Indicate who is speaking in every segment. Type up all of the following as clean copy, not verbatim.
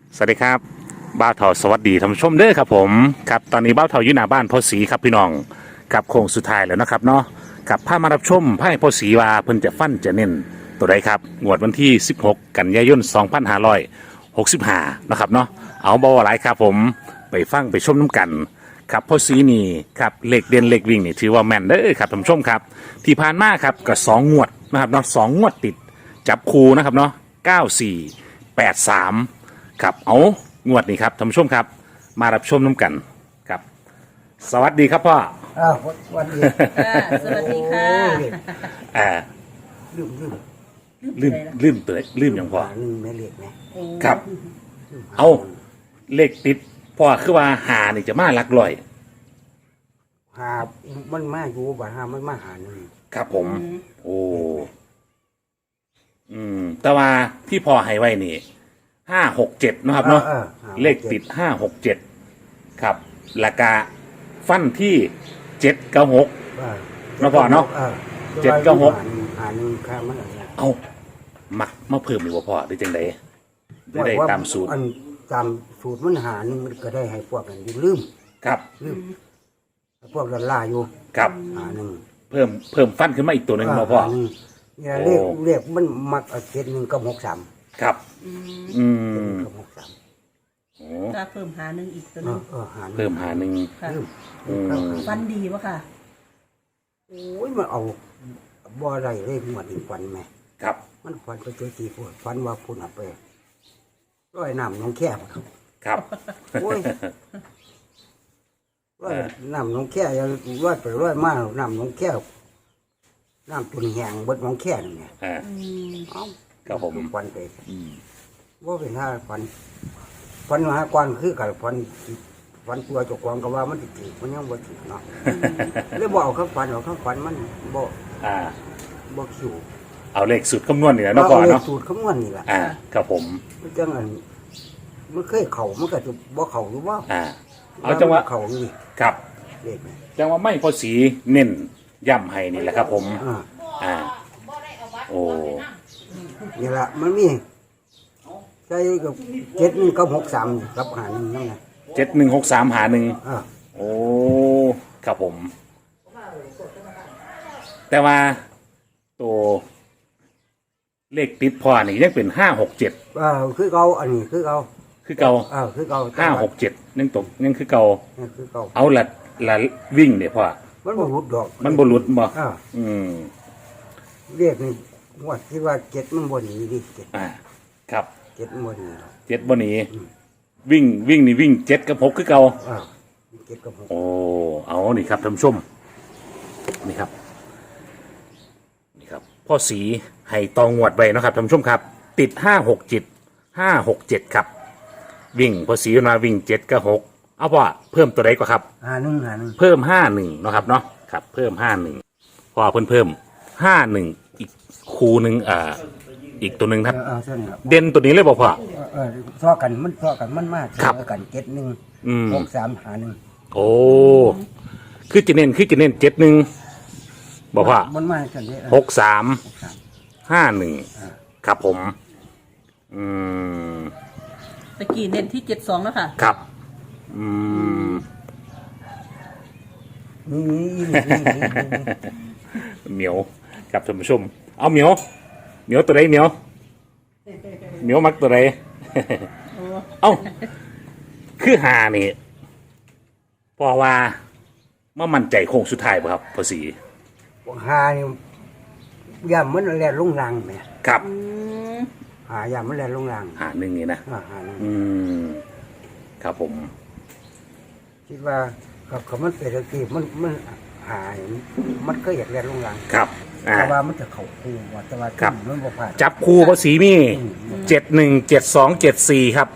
Speaker 1: สวัสดีครับบ้าวเถาสวัสดีท่านผู้ชมเด้อครับผมครับตอนนี้บ้าวเถาอยู่หน้าบ้านพ่อศรีครับพี่น้องกับโค้งสุดท้ายแล้วนะครับเนาะกับพามารับชมไพ่พ่อศรีว่าเพิ่นจะฟันจะเน้นตัวใดครับงวดวันที่16กันยายน2565นะครับเนาะเอาบ่หลายครับผมไปฟังไปชมน้ำกันครับพ่อศรีนี่ครับเลขเด่นเลขวิ่งนี่ถือว่าแม่นเด้อครับท่านผู้ชมครับที่ผ่านมาครับก็2 งวดนะครับเนาะ2 งวดติดจับคู่นะครับเนาะ9483 ครับเอางวดนี้ครับท่านผู้ชมครับมารับชมน้ำกันครับสวัสดีครับพ่อ
Speaker 2: วันนี้
Speaker 3: ค่ะสวัสดีค่ะ
Speaker 1: อ่า
Speaker 2: ลืม
Speaker 1: ลืมตัวลืมอย่างพ่อ
Speaker 2: หนึ่งไม่เรียกนะ
Speaker 1: ครับเอาเลขติดพ่อคือว่าหานี่จะมาหลักร้อย
Speaker 2: หามันมาอยู่บ่หามันมาหาหนึ่ง
Speaker 1: ครับผมโอ้แต่ว่าที่พ่อให้ไว้นี่567นะครับเนาะเลขติด567ครับราคาฟันที่796เนาะพ่อเนาะ796
Speaker 2: หาหนึ่งข้ามันอะไร
Speaker 1: เอามักมาเพิ่มอีกว่าพ่อได้จังไดได้ตามสูตร
Speaker 2: อันตามสูตรมันหาหนึ่งก็ได้ให้พวกนั้นอยู่ลืม
Speaker 1: ครับ
Speaker 2: พวกนั้นล่าอยู่
Speaker 1: ครับ
Speaker 2: หาหนึ่ง
Speaker 1: เพิ่มฟันขึ้นมาอีกตัวหนึ่งเนาะพ่อ
Speaker 2: หาหนึ่งเนี่ยเรียกมันมัก71กับ63
Speaker 1: ครับ
Speaker 2: กับ63
Speaker 1: โอ้
Speaker 3: ก็เพิ่มหาหนึ่งอีกตัวหนึง
Speaker 2: หาหนึ่ง
Speaker 1: เพิ่มหาหนึ่ง
Speaker 3: ค่ะ
Speaker 2: ลืม
Speaker 3: ฟันดีวะค่ะ
Speaker 2: โอ้ยมันเอาบ่ได้เลยหมดอีกวันไหม
Speaker 1: ครับ
Speaker 2: มันฟันไปเจอทีพูดฟันว่าพูดเอาไปร้อยน้ำน้องแค่ครับ
Speaker 1: ครับ
Speaker 2: โอ้ยร้อยน้ำน้องแค่ยังร้อยไปร้อยมาน้ำน้องแค่น้ำตุนแหงเบดน้องแค่นี่ไง
Speaker 1: อ่า
Speaker 2: เอ้า
Speaker 1: ครับผม
Speaker 2: ฟันไปว่าเป็นท่าฟันหากวนคือกับฟันตัวเจกวางก็ว่ามันติดมันยังบ่ติดเนาะเลยบอกเขาฟันเอาเขาฟันมันบ่
Speaker 1: อ่า
Speaker 2: บ่คิว
Speaker 1: เอาเลขสูตรคำนวณนี่แหละเนาะพ่อเนาะ
Speaker 2: สูตรคำนวณนี่แหละ
Speaker 1: อ่าครับผม
Speaker 2: มันจังอันมันเคยเข่ามันก็จะบ่เข่าหรือว่า
Speaker 1: อ่าเอาจังหวะ
Speaker 2: เข่านี่
Speaker 1: ครับ
Speaker 2: เด็กนี่
Speaker 1: จังหวะไม่พอสีเน้นย่ำให้นี่แหละครับผม
Speaker 2: อ่า
Speaker 1: อ่าโอ้
Speaker 2: นี่ละมันมีใช่กับ71กับ63กับหา1นั่นไง
Speaker 1: 7163หาหนึ่ง
Speaker 2: อ่า
Speaker 1: โอ้ครับผม แต่ว่าตัวเลขติดพอนี่ยังเป็น567
Speaker 2: คือเก่าอันนี้คือเก่า
Speaker 1: คือเก่า
Speaker 2: คือเก่า
Speaker 1: 567ยังตกยังคือเก่า
Speaker 2: คือเก่า
Speaker 1: เอาละวิ่งเนี่ยพ่อ
Speaker 2: มันบ่หลุดดอก
Speaker 1: มันบ่หลุดบ่
Speaker 2: อ่า
Speaker 1: อืม
Speaker 2: เรียกนี่ว่าที่ว่า7มันบ่หนีดิ7
Speaker 1: อ่าครับ
Speaker 2: มันบ่หนีหรอก
Speaker 1: 7บ่หนีวิ่งนี่วิ่ง7กับ6คือเก่า
Speaker 2: อ่า7กับ6
Speaker 1: โอ้เอานี่ครับท่านผู้ชมนี่ครับนี่ครับพ่อสีให้ตองงวดไว้เนาะครับท่านผู้ชมครับ ติด567ครับ วิ่งพ่อสีมาวิ่ง7กับ6เอาพ่อเพิ่มตัวใดกว่าครับ
Speaker 2: หา1
Speaker 1: เพิ่ม51เนาะครับเนาะครับเพิ่ม51พอเพิ่ม51อีกคูหนึ่งอีกตัวหนึ่งครับ
Speaker 2: เส้นครับ
Speaker 1: เด่นตัวนี้เลยบอกพ่อ
Speaker 2: ซ้อกันมันมาก
Speaker 1: ครับ
Speaker 2: ซ้อกัน
Speaker 1: อืม
Speaker 2: 71 63หา1
Speaker 1: โอ้คือจะเน้น71บอกพ่อ
Speaker 2: มันมากันเด้
Speaker 1: 6351ครับผม อืม
Speaker 3: ตะกี้เน้นที่72แล้วค่ะ
Speaker 1: ครับ อืม
Speaker 2: นี่
Speaker 1: เหมียวครับท่านผู้ชม เอาเหมียวตัวใดเหมียวมักตัวใด เอ้าคือหานี่เพราะว่ามามั่นใจโค้งสุดท้ายป่ะครับพอสี
Speaker 2: หานี่ย่ามันแลนลงรังแม่
Speaker 1: ครับ
Speaker 2: หาย่ามันแลนลงรัง
Speaker 1: หาหนึ่งนี่นะ
Speaker 2: หาหนึ่ง
Speaker 1: อืมครับผม
Speaker 2: คิดว่ากับเขามันเป็นตะกี้มันหายมันก็อยากแลนลงรัง
Speaker 1: ครับ
Speaker 2: แต่ว่ามันจะเข้าคู่ว่าแต่ว่า
Speaker 1: ครับ
Speaker 2: มันบ่ผ่าน
Speaker 1: จับคู่พอสีมี717274ครับ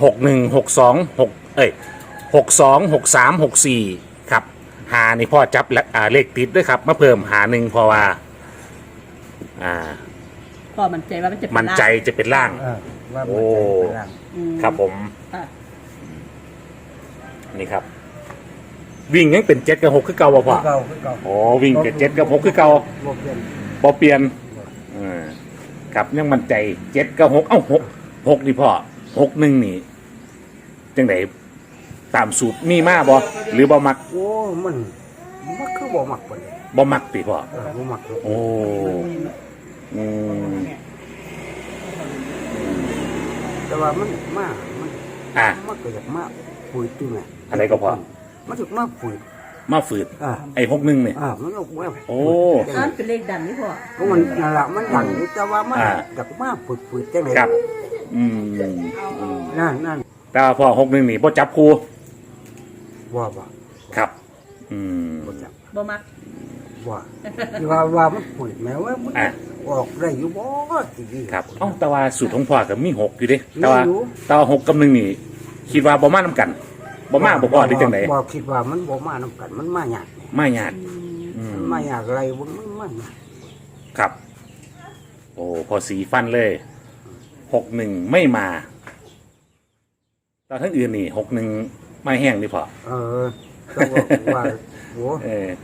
Speaker 1: 6162626364ครับหานี่พ่อจับและเลขติดด้วยครับมาเพิ่มหาหนึ่งเพราะว่า
Speaker 3: พอมันใจว่ามันจะเป็น
Speaker 1: มันใจจะเป็นล่าง
Speaker 2: ว่า
Speaker 1: โอ้
Speaker 2: มันจะเป็นรัง
Speaker 1: ครับผม
Speaker 3: ค่ะ
Speaker 1: นี่ครับ วิ่งยังเป็น7กับ6คือเก่าบ่พ่อ
Speaker 2: คือเก่า
Speaker 1: โอ้วิ่งเป็น7กับ6คือเก่า
Speaker 2: บ่เปลี่ยน
Speaker 1: บ่เปลี่ยนครับยังมั่นใจ7กับ6เอ้า6นี่พ่อ61นี่จังไดตามสูตรมีมาบ่หรือบ่มัก
Speaker 2: โอ้มันคือบ่มักปานใด
Speaker 1: บ่มักติพ่อ
Speaker 2: บ่มัก
Speaker 1: โอ้อืม
Speaker 2: แต่ว่ามันมามัน
Speaker 1: อ่ะ
Speaker 2: มันก็อยากมาปุ๋ยติแม่
Speaker 1: อะไรก็พอ
Speaker 2: มันถึกมาปุ๋ย
Speaker 1: มาฝืด
Speaker 2: อ่า
Speaker 1: ไอ้61เนี่ย
Speaker 2: มันก็ว่า
Speaker 1: โอ้
Speaker 3: อันเป็นเลขดันนี่พ่อ
Speaker 2: เพราะมันนั่นล่ะมันดังอยู่แต่ว่ามัน
Speaker 1: อ่า
Speaker 2: อยากมาปุ๋ยจังได๋
Speaker 1: ครับอืม
Speaker 2: นั่น
Speaker 1: แต่ว่าพ่อ61นี่บ่จับคู่
Speaker 2: ว่าบ่
Speaker 1: ครับ อืม
Speaker 2: บ่จัก
Speaker 3: บ่มัก
Speaker 2: ว่าที่ว่ามันปุ๋ยแม้ว่ามัน
Speaker 1: อ่ะ
Speaker 2: ออกได้อยู่บ่สิดี
Speaker 1: ครับเอ้าแต่ว่าสูตรของพ่อก็มี6อยู่เด้แต่ว่า
Speaker 2: มีอยู่
Speaker 1: แต่ว่า6กับ1นี่ คิดว่าบ่มานํกันบ่มาบ่พอหรือจังได
Speaker 2: บ่คิดว่ามันบ่มานำกันมันมายาก
Speaker 1: มายากอืม
Speaker 2: มันมายากอะไรบ่มันมายาก
Speaker 1: ครับ โอ้พอสีฟันเลย61ไม่มาตอนทั้งอื่นนี่61ไม่แห้งนี่พอ
Speaker 2: ก็ว่าโอ้
Speaker 1: เออ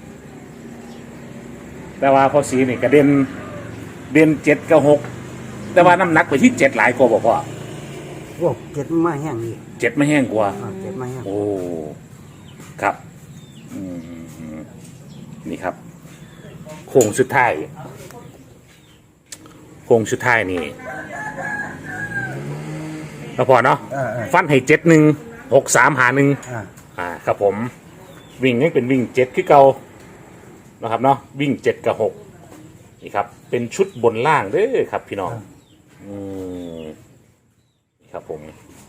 Speaker 1: แต่ว่าพอสีนี่กระเเด่น7กับ6แต่ว่าน้ำหนักไปที่7หลายกว่าบ่พ่อ
Speaker 2: โหเจ็ดมาแห้งนี่
Speaker 1: 7ไม่แห้งกว่า
Speaker 2: เจ็ดมาแห้ง
Speaker 1: โอ้ครับอืมนี่ครับโค้งสุดท้ายนี่แล้วพอเนาะฟันให้7163หา1ครับผมวิ่งนี่เป็นวิ่ง7คือเก่านะครับเนาะวิ่ง7กับ6นี่ครับเป็นชุดบนล่างเด้อครับพี่น้องนี่ครับผม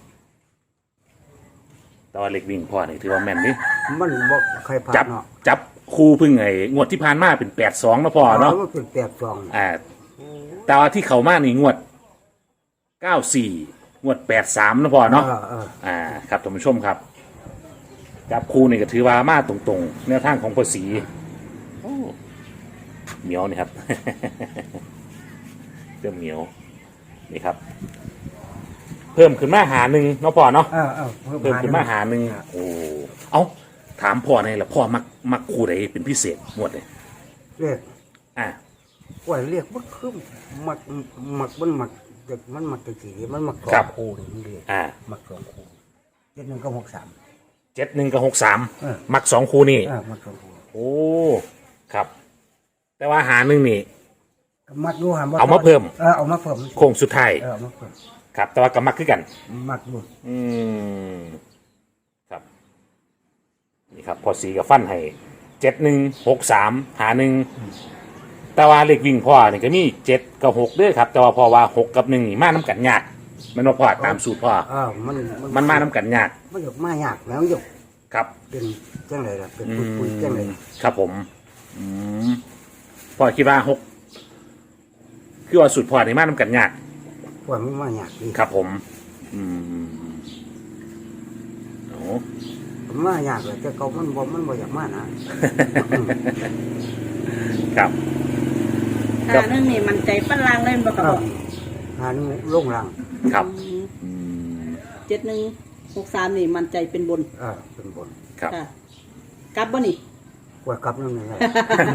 Speaker 1: แต่ว่าเล็กวิ่งพอนี่ถือว่าแม่นนี่
Speaker 2: มันบ่ใครผ่า
Speaker 1: จั
Speaker 2: น
Speaker 1: บ
Speaker 2: เนาะ
Speaker 1: จับคู่พึ่งไงงวดที่ผ่านมาเป็น82นะพ่อเนาะ
Speaker 2: มันเป็น82
Speaker 1: แต่ว่าที่เขามานี่งวด94งวด83นะพ่อเนาะครับท่านผู้ชมครับจับคู่นี่ก็ถือว่ามาตรงๆแนวทางของภาษีโอ้เหนียวนี่ครับ เริ่มเหนียวนี่ครับ เพิ่มขึ้นมาหาหนึ่งเนาะพ่อเนาะเพิ่มขึ้นมาหาหนึ่งโอ้เอ้าถามพ่อในอยละพ่อมักคู่ใดเป็นพิเศษหมดเลย
Speaker 2: เรียก
Speaker 1: อ่า
Speaker 2: ว่าเรียกมันคือมักมันมักเด็กมันมักจังซี่มันมักสอ
Speaker 1: ครั
Speaker 2: ง
Speaker 1: บ
Speaker 2: คู่นี่มันเรียก มักสองคู่71กับ63
Speaker 1: 71กับ63มัก2คู่นี่
Speaker 2: มักสองคู่
Speaker 1: โอ้ครับ แต่ว่าหาหนึ่งนี่
Speaker 2: มักอยู่หาบ่
Speaker 1: เอามาเพิ่ม
Speaker 2: เอามาเพิ่ม
Speaker 1: โค้งสุดท้าย
Speaker 2: เอามาเพิ่ม
Speaker 1: ครับ แต่ว่าก็มักคือกัน
Speaker 2: มักอยู่
Speaker 1: อืมครับนี่ครับพอสีกับฟันให้7163หาหนึ่งแต่ว่าเลขวิ่งพ่อนี่ก็มี7กับ6ด้วยครับ แต่ว่าพ่อว่า6กับ1นี่มาน้ำกันยากมันว่าพ่อตามสูตรพ่อ มันมาน้ำกันยาก
Speaker 2: มันหยกมายากแล้วหยก
Speaker 1: ครับ
Speaker 2: เป็นจังไรล่ะเป็นปุ๋ยจังไร
Speaker 1: ครับผมพ่อคิดว่า6คือว่าสูตรพ่อนี่มาน้ำกันยาก
Speaker 2: พวกมันมายากดี
Speaker 1: ครับผม โอ้
Speaker 2: มายากเลยแต่เขามันบ่อยากมานะครับ
Speaker 3: หาหนึ่งนี่มันใจฟันล่างเล่นบ่ครับพ่อ
Speaker 2: หานี่ลงรัง
Speaker 1: ครับ
Speaker 3: 7163นี่มันใจเป็นบน
Speaker 2: เป็นบน
Speaker 1: ครับ
Speaker 3: ค่ะกลับบ่นี่
Speaker 2: กว่ากลับนั่นไง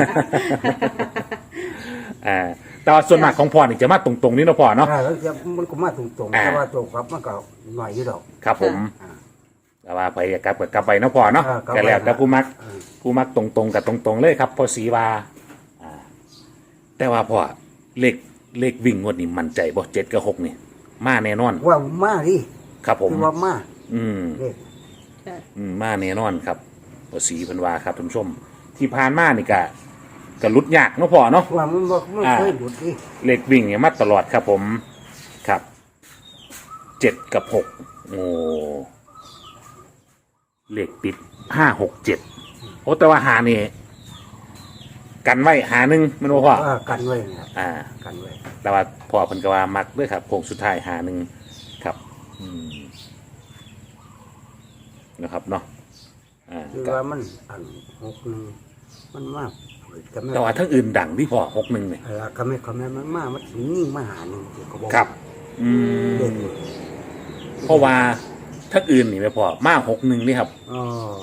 Speaker 1: แต่ว่าส่วนมากของพ่อนี่จะมาตรงๆนี่เนาะพ่อเนาะ
Speaker 2: แล้วมันก็มาตรงๆแต่ว่าตัวกลับมันก็หน่อยอยู่ดอก
Speaker 1: ครับผม แต่ว่าไปกลับกับกลับไปเนาะพ่อเนาะ
Speaker 2: กลับไป
Speaker 1: ก็แล้วแต่ผู้มักตรงๆกับตรงๆเลยครับพอสีว่าแต่ว่าพ่อเลขวิ่งงวดนี่มั่นใจบ่7กับ6นี่ มาแน่นอน
Speaker 2: ว่ามาดิ
Speaker 1: ครับผม
Speaker 2: คือว่ามา
Speaker 1: อืม
Speaker 2: เด็ก
Speaker 3: ค่ะ
Speaker 1: มาแน่นอนครับพอสีเพิ่นว่าครับท่านผู้ชม ที่ผ่านมานี่ก็ลุดยากเนาะพ่อเนาะ
Speaker 2: ว่ามันเคยหลุดดิ
Speaker 1: เลขวิ่งเนี่ยมาตลอดครับผมครับ7กับ6โอ้เลขติด5 6 7โอ้แต่ว่าหานี่กันไว้หาหนึ่งมันบ่พ่อ
Speaker 2: กันไว้นะ กันไว้
Speaker 1: แต่ว่าพ่อเพิ่นก็ว่ามักด้วยครับโค้งสุดท้ายหาหนึ่งครับนะครับเนาะ
Speaker 2: คือว่ามันอัน61มันมากก็ไม่
Speaker 1: แต่ว่าทั้งอื่นดังที่พ่อ61เนี่ย
Speaker 2: ก็ไม่มันมามันยิ่งมาหาหนึ่งก็บอก
Speaker 1: ครับ
Speaker 2: เด็ก
Speaker 1: เพราะว่าทั้งอื่นนี่ไม่พอมา61นี่ครับ
Speaker 2: อ๋อ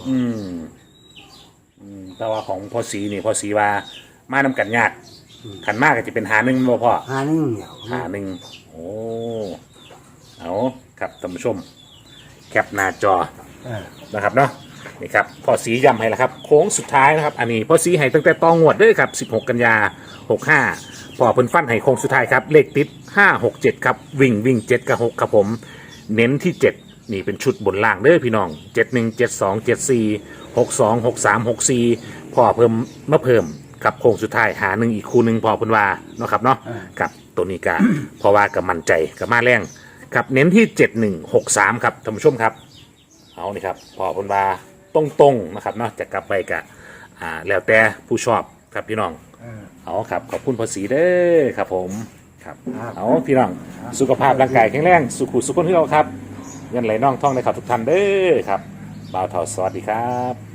Speaker 1: แต่ว่าของพ่อสีนี่พ่อสีว่ามานํกันยากขันมากก็จะเป็นหาหนึ่งบ่พ่อ
Speaker 2: หาหนึ่งเดียว
Speaker 1: หาหนึ่งโอ้เอาครับท่านผู้ชม แคคปหน้าจอ
Speaker 2: เออ
Speaker 1: นะครับเนาะนี่ครับพ่อสีย้ำให้แล้วครับโค้งสุดท้ายนะครับอันนี้พ่อสีให้ตั้งแต่ตองวดเด้วยครับ16 กันยา65พอเพิ่นฟันให้โค้งสุดท้ายครับเลขติด567ครับวิ่ง7กับ6ครับผมเน้นที่ 7นี่เป็นชุดบนล่างเด้อพี่น้อง71 72 74 62 63 64พอเพิ่มมาเพิ่มกับโค้งสุดท้ายหาหนึ่งอีกคู่หนึ่งพอเพิ่นว่าเนาะครับเนาะกับตัวนี้ก็เพราะว่ากับมั่นใจกับมาแรงครับเน้นที่7163ครับท่านผู้ชมครับ เอานี่ครับพอเพิ่นว่าตรงๆนะครับเนาะจะกลับไปกะแล้วแต่ผู้ชอบครับพี่น้อง
Speaker 2: เออ
Speaker 1: เอาครับขอบคุณภาษีเด้อครับผมครับ
Speaker 2: ครับ
Speaker 1: เอาพี่น้องสุขภาพร่างกายแข็งแรงสุขุสุขคนที่เราครับเงินไหลน่องท่องในขับทุกท่านเด้อครับบ่าวเถาสวัสดีครับ